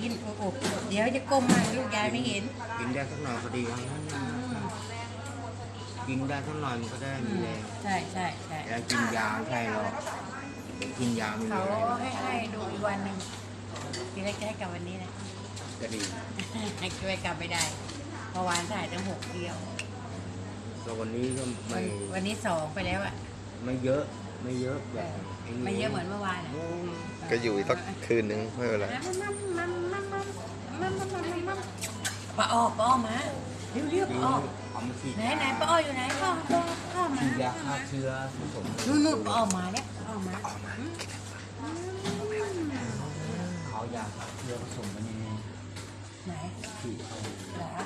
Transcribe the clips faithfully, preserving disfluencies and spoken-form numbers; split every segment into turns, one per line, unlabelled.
กินโอ้โหเดี๋ยวจะก้มมาลูกยายไม่เห็น
กินได้สักหน่อยก็ดีกินได้สักหน่อยมันก็ได้มีแรง
ใช่ใช่ใช่
แล้วกินยาใช่หรอกกินยาไม่มี
อะไร
เขา
ให้ให้ดูอีกวันหนึ่งทีแรกจะให้กลับวันนี้นะ
จะดี
ให้ช่วยกลับไม่ได้เมื่อวานถ่ายตั้งหกเที่ยว
ก็วันนี้ก็ไม่
วันนี้สองไปแล้วอ่ะ
ไม่เยอะไม่เยอะแบบ
ไม่เยอะเหมือนเมื่อวาน
ก็อยู่อีกสักคืนนึงไม่เป็นไร
ป้าอ้อป้าอ้อมาเรียบเรียบอ้อไหนไหนป้าอ้ออยู่ไหนป้าป้าป้ามา
ฉีดยาฆ่าเชื้อผสม
นู่นนู่นป้าอ้อมาแล้วป้าอ้อมา
เขายาฆ่าเชื้อผสมกันยังไง
ไหน
ฉีด
เหรอ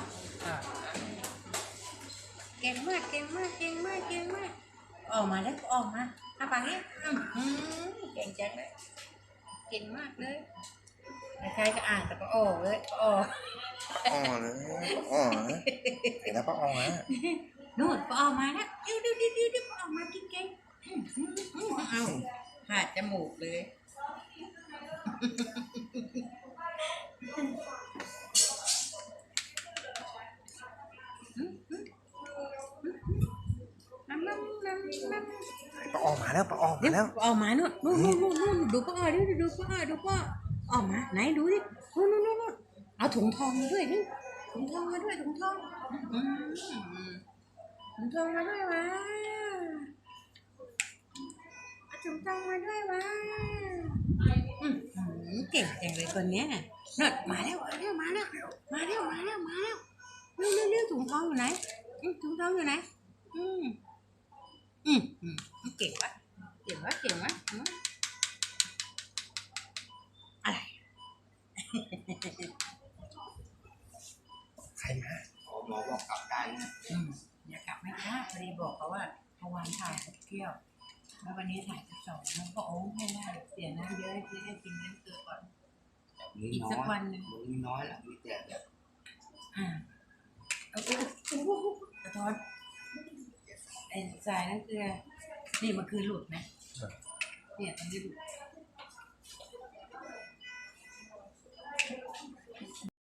เก่งมากเก่งมากเก่งมากเก่งมากออกมาแล้วออกมาทำปากนี้เก่งจังเลยเก่งมากเลยใครก็อ่านแต่ก็ออกเลยออก
อ๋อนะอ๋อนะเห็นแล้วป้าอ๋อนะ
นู่นป้าออกมาแล้วเดี๋ยวเดี๋ยวเดี๋ยวเดี๋ยวป้าออกมากินเก่งเอาหาดจมูกเลย
ป้าอ๋อมาแล้วป้าอ๋อมาแล้ว
ออกมานู่นนู่นนู่นนู่นดูป้าอ๋อดิดูป้าอ๋อดูป้าออกมาไหนดูดินู่นนู่นนู่นเอาถุงทองมาด้วยดิถุงทองมาด้วยถุงทองถุงทองมาด้วยวะเอาถุงทองมาด้วยวะเก่งจังเลยคนนี้น่ะนั่นมาแล้วมาแล้วมาแล้วมาแล้วมาแล้วมาแล้วเร็วเร็วเร็วถุงทองอยู่ไหนถุงทองอยู่ไหนอืมอืมอืมเก่งวะเก่งวะเก่งวะอะไร
ใครมา
หมอบอกกลับได้นะ
อย่ากลับไม่ได้พอดีบอกเขาว่าเมื่อวานถ่ายหกเที่ยวแล้ววันนี้ถ่ายสิบสองมันก็โอ้ไม่ได้เสียน้ำเยอะที่ได้กินเลี้ยงเกลือก่อนอีกสักวันหนึ่ง
มีน้อยแหละมีแต่แบบ
อ่าเอาไปกระท้อนไอ้สายน้ำเกลือนี่มันคือหลุดนะเนี่ยตรงนี้หลุด